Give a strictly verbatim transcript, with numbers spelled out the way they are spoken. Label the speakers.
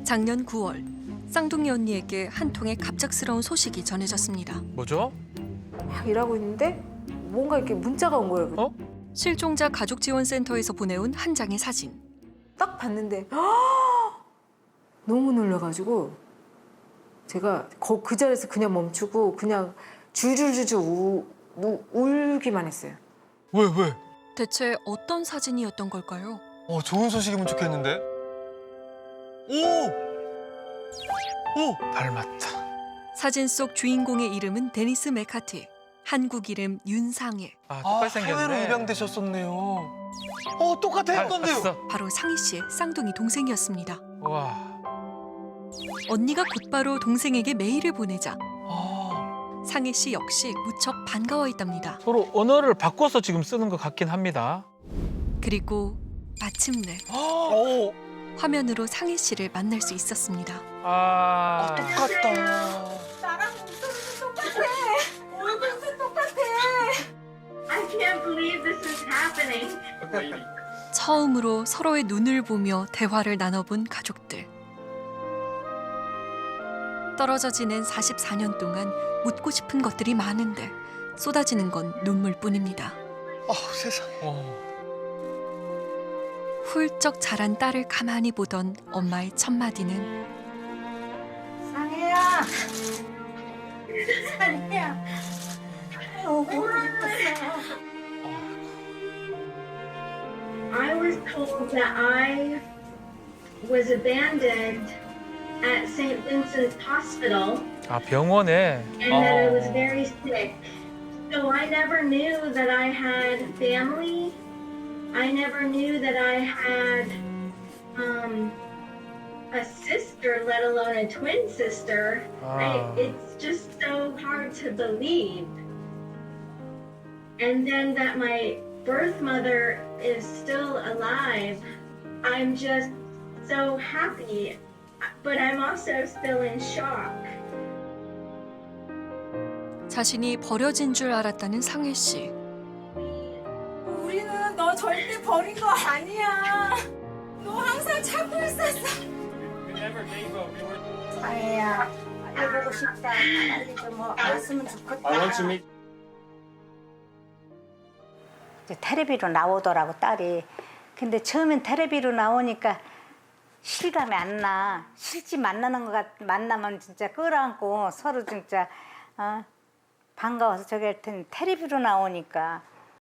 Speaker 1: 작년 구월 쌍둥이 언니에게 한 통의 갑작스러운 소식이 전해졌습니다.
Speaker 2: 뭐죠?
Speaker 3: 막 일하고 있는데 뭔가 이렇게 문자가 온 거예요.
Speaker 2: 어?
Speaker 1: 실종자 가족지원센터에서 보내온 한 장의 사진.
Speaker 3: 딱 봤는데 너무 놀라가지고 제가 거- 그 자리에서 그냥 멈추고 그냥 줄줄줄줄 우, 우, 울기만 했어요.
Speaker 2: 왜 왜?
Speaker 1: 대체 어떤 사진이었던 걸까요?
Speaker 2: 어 좋은 소식이면 좋겠는데. 오! 오! 닮았다.
Speaker 1: 사진 속 주인공의 이름은 데니스 메카티. 한국 이름 윤상해.
Speaker 2: 아 똑같이 생겼네. 해외로 입양되셨었네요. 어 똑같아 건데요.
Speaker 1: 바로 상희 씨의 쌍둥이 동생이었습니다.
Speaker 2: 와.
Speaker 1: 언니가 곧바로 동생에게 메일을 보내자
Speaker 2: 아.
Speaker 1: 상희 씨 역시 무척 반가워했답니다.
Speaker 4: 서로 언어를 바꿔서 지금 쓰는 것 같긴 합니다.
Speaker 1: 그리고 마침내
Speaker 2: 오.
Speaker 1: 화면으로 상희 씨를 만날 수 있었습니다.
Speaker 4: 아,
Speaker 2: 아 똑같다.
Speaker 3: 나랑 목소리도 똑같아. 얼굴도 똑같아.
Speaker 5: I can't believe this is happening.
Speaker 1: 처음으로 서로의 눈을 보며 대화를 나눠본 가족들. 떨어져 지낸 사십사 년 동안 묻고 싶은 것들이 많은데 쏟아지는 건 눈물뿐입니다.
Speaker 2: 아 세상에.
Speaker 4: 어.
Speaker 1: 훌쩍 자란 딸을 가만히 보던 엄마의 첫 마디는
Speaker 3: 상혜야. 상혜야. 어, 보고 싶었어.
Speaker 5: I was told that I was abandoned at Saint Vincent's Hospital
Speaker 4: 아 병원에.
Speaker 5: and that I was
Speaker 4: 어.
Speaker 5: very sick. So I never knew that I had family. I never knew that I had um, a sister, let alone a twin sister. I,
Speaker 4: 아.
Speaker 5: it's just so hard to believe. And then that my birth mother is still alive. I'm just so happy, but I'm also still in shock.
Speaker 1: 자신이 버려진 줄 알았다는 상혜 씨.
Speaker 3: 우리는 너 절대 버린 거 아니야. 너 항상 찾고 있었어. 상혜야, 알려보고 싶다. 빨리 좀 뭐 알았으면 좋겠다.
Speaker 6: 이제 텔레비로 나오더라고 딸이. 근데 처음엔 텔레비로 나오니까 실감이 안 나. 실제 만나는 것 같, 만나면 진짜 끌어안고 서로 진짜 어, 반가워서 저기 할 텐데 텔레비로 나오니까